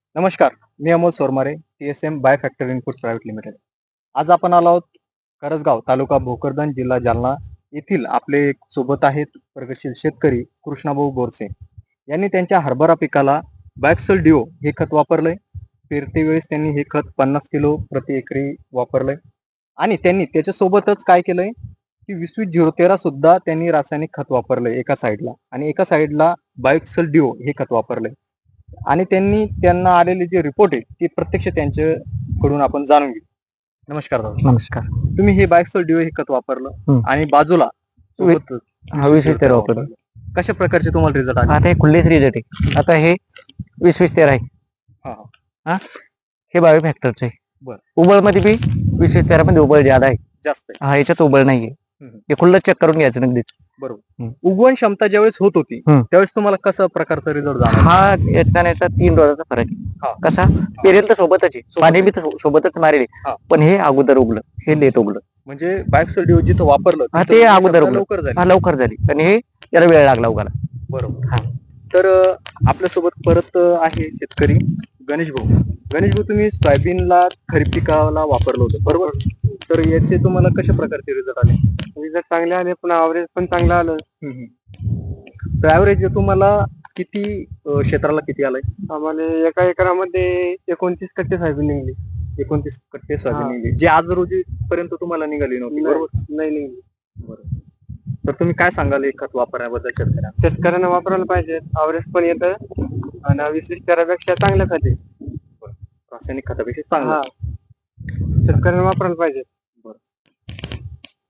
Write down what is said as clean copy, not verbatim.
नमस्कार, मी Amol Sormare, TSM by factory input private limited. आज आपण आलो आहोत करसगाव, तालुका भोकरदन, जिल्हा जालना येथील आपले सोबत आहेत प्रगतशील शेतकरी कृष्णाभाऊ बोरसे. यांनी त्यांच्या हरभरा पिकाला बायक्सल डिओ हे खत वापरलंय. पेरते वेळेस त्यांनी हे खत 50 किलो प्रति एकरी वापरलंय आणि त्यांनी त्याच्यासोबतच काय केलंय की 20-20-013 सुद्धा त्यांनी रासायनिक खत वापरलंय एका साईडला आणि एका साईडला बायक्सल डिओ हे खत वापरलंय. आणि त्यांना आलेले जे रिपोर्ट आहे ते प्रत्यक्ष त्यांच्याकडून आपण जाणून घेऊ. नमस्कार दादा. नमस्कार. तुम्ही हे बायक्सल डिओ हे खत वापरलं आणि बाजूला सोबत हा 20-20-13 वापरलं. कशा प्रकारचे तुम्हाला रिझल्ट आले? आता हे खुल्लेच रिझल्ट आहे. आता हे 20-20-13 आहे. हा हा हे बायो फॅक्टरचं आहे. बरं. उबळ मध्ये बी 20-20-13 मध्ये उबळ ज्यादा आहे. जास्त आहे. हा याच्यात उबळ नाहीये. हे खुल्लं चेक करून घ्यायचं नगदीच. बरोबर. उगवण क्षमता ज्यावेळेस होत होती त्यावेळेस तुम्हाला कसा प्रकारचा रिझल्ट जाणवला? हा याचा 3 रोजाचा फरक आहे. कसा पेरेल तर सोबतच आहे, पाणी बी सोबतच मारेल, पण हे अगोदर उगलं, हे लेट उगलं. म्हणजे बायक्सल डिओ जिथं वापरलं ते अगोदर उगलं, लवकर झालं. लवकर झाली आणि हे याला वेळ लागला उगाला. बरोबर. तर आपल्यासोबत परत आहे शेतकरी गणेश भाऊ, तुम्ही सोयाबीनला खरीप पिकाला वापरलं होतं बरोबर? तर याचे तुम्हाला कशा प्रकारचे रिझल्ट आले? रिझल्ट चांगले आले, पण ॲव्हरेज पण चांगलं आलं. तर ॲव्हरेज तुम्हाला किती क्षेत्राला किती आलाय? आम्हाला एका एकरामध्ये 29 कट्टे सोयाबीन निघली. 29 कट्टे सोयाबीन निघली, जे आज रोजी पर्यंत तुम्हाला निघाली नव्हती बरोबर? नाही निघली. बरोबर. तर तुम्ही काय सांगाल हे खत वापरण्याबद्दल शेतकऱ्यांना वापरायला पाहिजे. ॲव्हरेज पण येतं आणि 20-20-13 पेक्षा चांगलं खत आहे. रासायनिक खतापेक्षा चांगलं. शेतकऱ्यांना वापरायला पाहिजे.